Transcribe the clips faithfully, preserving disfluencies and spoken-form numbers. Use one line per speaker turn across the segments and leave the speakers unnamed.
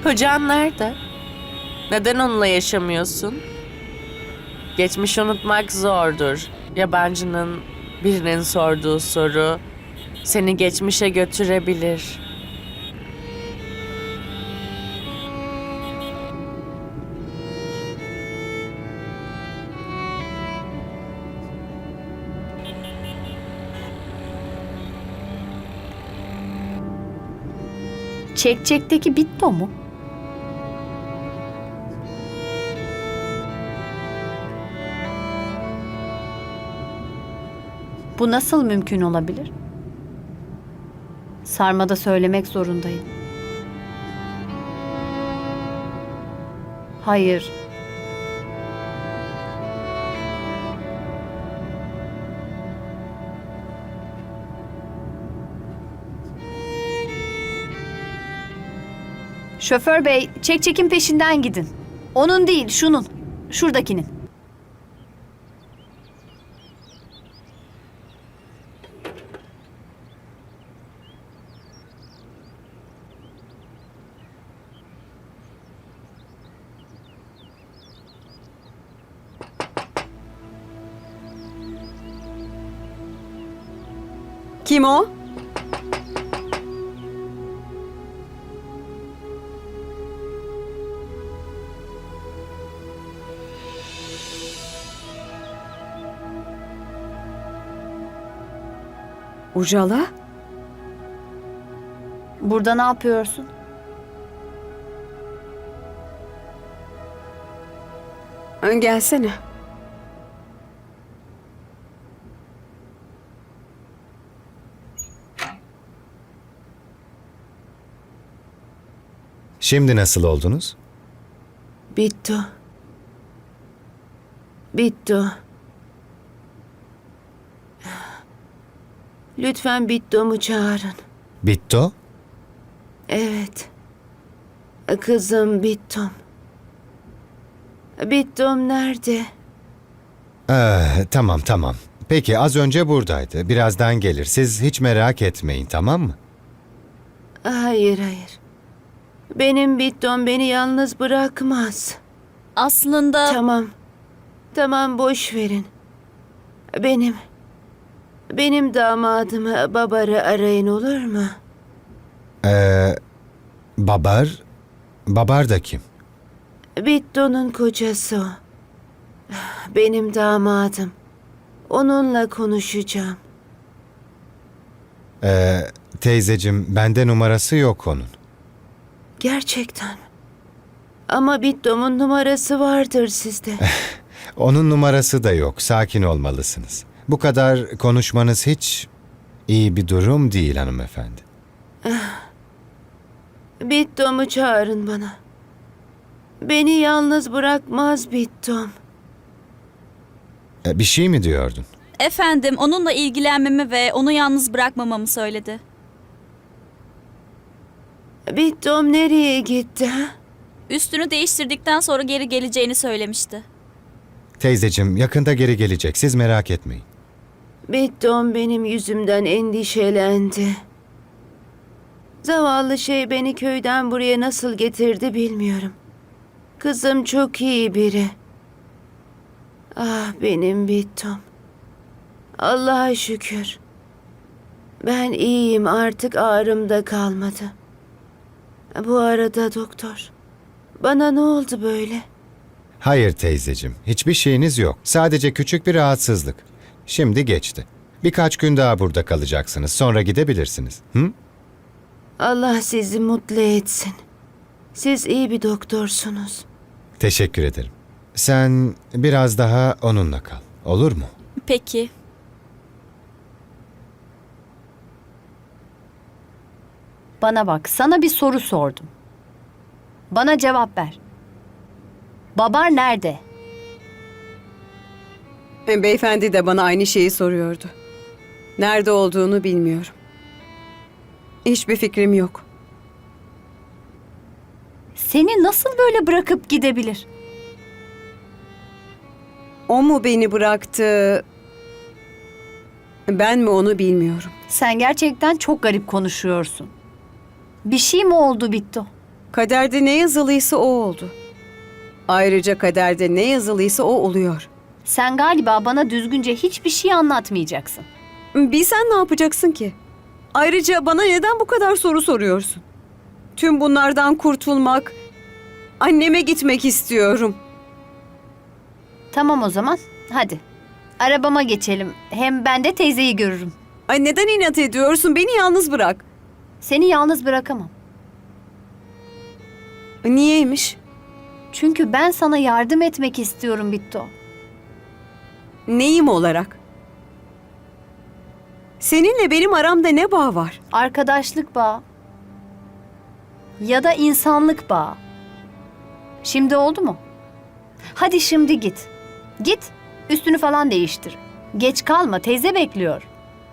Kocan nerede? Neden onunla yaşamıyorsun? Geçmiş unutmak zordur. Yabancının birinin sorduğu soru seni geçmişe götürebilir.
Çekçekteki Bitto mu? Bu nasıl mümkün olabilir? Sarmada söylemek zorundayım. Hayır. Şoför bey, çekçekin peşinden gidin. Onun değil, şunun. Şuradakinin.
Kim o? Ucala?
Burada ne yapıyorsun?
Gelsene.
Şimdi nasıl oldunuz?
Bittu. Bittu. Lütfen Bittu'mu çağırın.
Bitto?
Evet. Kızım Bittum. Bittum nerede?
Ee, tamam tamam. Peki az önce buradaydı. Birazdan gelir. Siz hiç merak etmeyin, tamam mı?
Hayır hayır. Benim Bittum beni yalnız bırakmaz.
Aslında
Tamam. Tamam boş verin. Benim benim damadımı Babar'ı arayın olur mu?
Ee, Babar? Babar da kim?
Bittu'nun kocası o. Benim damadım. Onunla konuşacağım.
Ee, teyzecim, bende numarası yok onun.
Gerçekten mi? Ama Bittu'nun numarası vardır sizde.
Onun numarası da yok. Sakin olmalısınız. Bu kadar konuşmanız hiç iyi bir durum değil hanımefendi.
Bittu'mu çağırın bana. Beni yalnız bırakmaz Bittum.
Ee, bir şey mi diyordun?
efendim onunla ilgilenmemi ve onu yalnız bırakmamamı söyledi.
Bittum nereye gitti ha?
Üstünü değiştirdikten sonra geri geleceğini söylemişti.
Teyzecim, yakında geri gelecek. Siz merak etmeyin.
Bittum benim yüzümden endişelendi. Zavallı şey beni köyden buraya nasıl getirdi bilmiyorum. Kızım çok iyi biri. Ah benim Bittum. Allah'a şükür. Ben iyiyim, artık ağrım da kalmadı. Bu arada doktor, bana ne oldu böyle?
Hayır teyzecim, hiçbir şeyiniz yok. Sadece küçük bir rahatsızlık. Şimdi geçti. Birkaç gün daha burada kalacaksınız. Sonra gidebilirsiniz. Hı?
Allah sizi mutlu etsin. Siz iyi bir doktorsunuz.
Teşekkür ederim. Sen biraz daha onunla kal. Olur mu?
Peki.
Bana bak, sana bir soru sordum. Bana cevap ver. Babar nerede?
E, Beyefendi de bana aynı şeyi soruyordu. Nerede olduğunu bilmiyorum. Hiçbir fikrim yok.
Seni nasıl böyle bırakıp gidebilir?
O mu beni bıraktı? Ben mi onu bilmiyorum.
Sen gerçekten çok garip konuşuyorsun. Bir şey mi oldu Bitto?
Kaderde ne yazılıysa o oldu. Ayrıca kaderde ne yazılıysa o oluyor.
Sen galiba bana düzgünce hiçbir şey anlatmayacaksın.
Bilsen ne yapacaksın ki? Ayrıca bana neden bu kadar soru soruyorsun? Tüm bunlardan kurtulmak, anneme gitmek istiyorum.
Tamam o zaman. Hadi. Arabama geçelim. Hem ben de teyzeyi görürüm.
Ay neden inat ediyorsun? Beni yalnız bırak.
Seni yalnız bırakamam.
Niyeymiş?
Çünkü ben sana yardım etmek istiyorum Bitto.
Neyim olarak? Seninle benim aramda ne bağ var?
Arkadaşlık bağı. Ya da insanlık bağı. Şimdi oldu mu? Hadi şimdi git. Git. Üstünü falan değiştir. Geç kalma. Teyze bekliyor.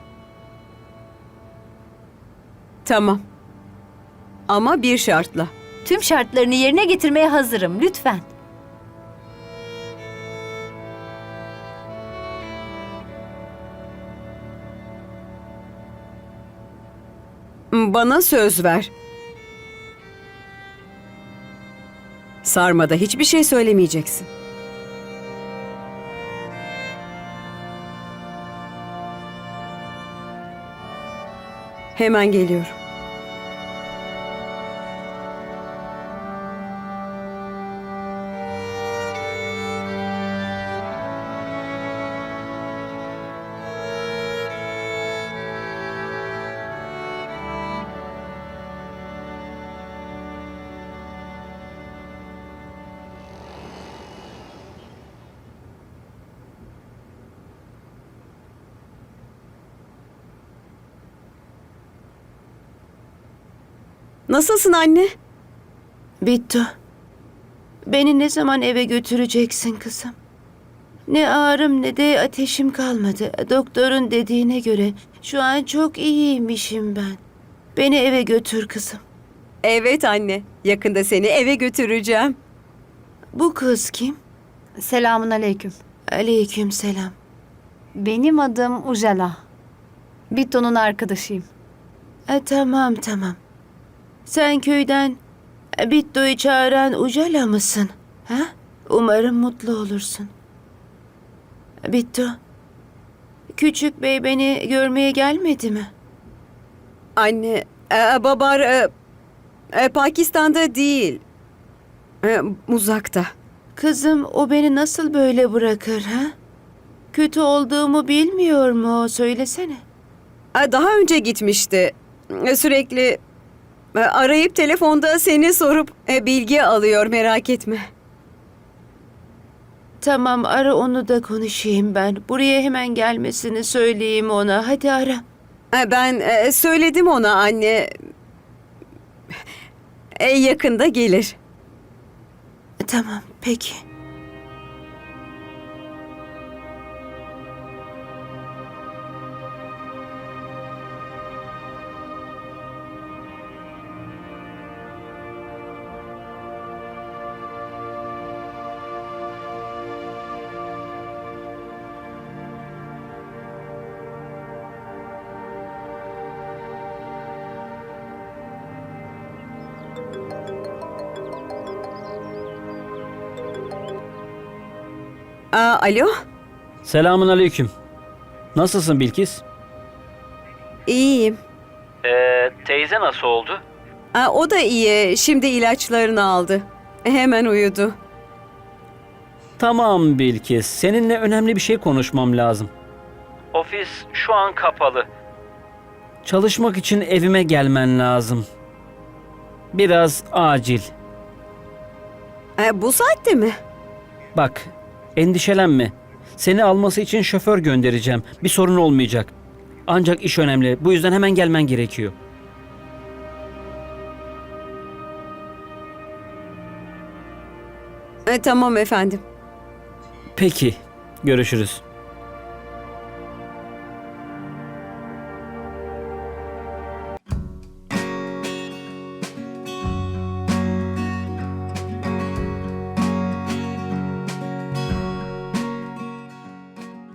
Tamam. Ama bir şartla.
Tüm şartlarını yerine getirmeye hazırım. Lütfen.
Bana söz ver. Sarmada hiçbir şey söylemeyeceksin. Hemen geliyorum. Nasılsın anne?
Bittu. Beni ne zaman eve götüreceksin kızım? Ne ağrım ne de ateşim kalmadı. Doktorun dediğine göre şu an çok iyiymişim ben. Beni eve götür kızım.
Evet anne. Yakında seni eve götüreceğim.
Bu kız kim?
Selamun aleyküm.
Aleyküm selam.
Benim adım Ujala. Bitto'nun arkadaşıyım.
E, tamam tamam. Sen köyden e, Bittu'yu çağıran Ujala mısın? Ha? Umarım mutlu olursun. Bittu, küçük bey beni görmeye gelmedi mi?
Anne, e, babar e, e, Pakistan'da değil. E, uzakta.
Kızım o beni nasıl böyle bırakır ha? Kötü olduğumu bilmiyor mu o? Söylesene.
E, daha önce gitmişti. E, sürekli e, arayıp telefonda seni sorup e, bilgi alıyor, merak etme.
Tamam ara onu da konuşayım ben. Buraya hemen gelmesini söyleyeyim ona. Hadi ara.
E, ben e, söyledim ona anne. E, yakında gelir.
Tamam peki.
Aa, alo,
Selamun aleyküm. Nasılsın Bilkis?
iyiyim.
Ee, teyze nasıl oldu?
Aa, o da iyi. Şimdi ilaçlarını aldı. Hemen uyudu.
Tamam Bilkis. Seninle önemli bir şey konuşmam lazım. Ofis şu an kapalı. Çalışmak için evime gelmen lazım. Biraz acil.
E, bu saatte mi?
Bak, endişelenme. Seni alması için şoför göndereceğim. Bir sorun olmayacak. Ancak iş önemli. Bu yüzden hemen gelmen gerekiyor.
E, tamam efendim.
Peki, görüşürüz.